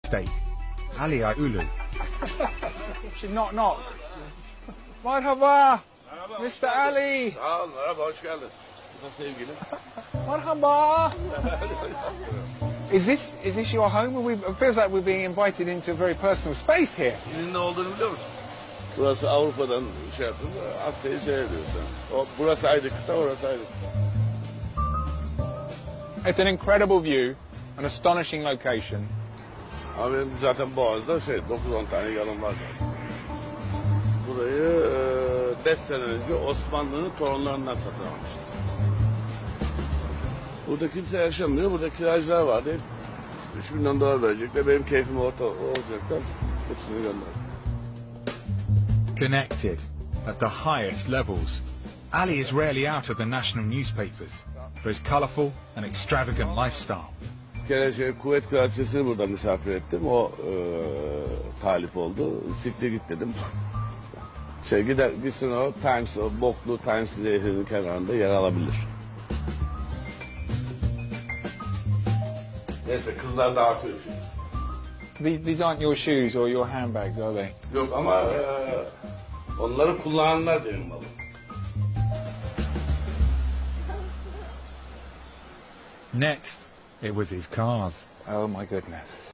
estate, Ali Ulu. Should knock. Merhaba, Mr. Ali. Sağ ol, merhaba, hoş geldin. Bu da sevgilim. Merhaba. Is this your home? It feels like we're being invited into a very personal space here. Senin ne olduğunu biliyor musun? Burası Avrupa'dan şey yaptın, Asya'yı seyrediyorsun. Burası ayrı kıta, orası ayrı kıta. It's an incredible view, an astonishing location. Ama benim zaten Boğaz'da 9-10 tane yanım var zaten. Burayı 5 sene önce Osmanlı'nın torunlarından satın almıştım. Burada kimse yaşamıyor, burada kiracılar vardı. 3 milyon dolar verecekler, benim keyfim olacaklar. Hepsini gönderdim. Connected at the highest levels, Ali is rarely out of the national newspapers for his colourful and extravagant lifestyle. Bir kere Kuvvet Kraliçesi'ni burada misafir ettim. O talip oldu. Siktir git dedim. Gitsin o Times, o boklu Times Nehrinin kenarında yer alabilir. Neyse kızlar dağıtıyor şimdi. These aren't your shoes or your handbags, are they? Yok ama onları kullananlar benim malım. Next, it was his cars. Oh my goodness.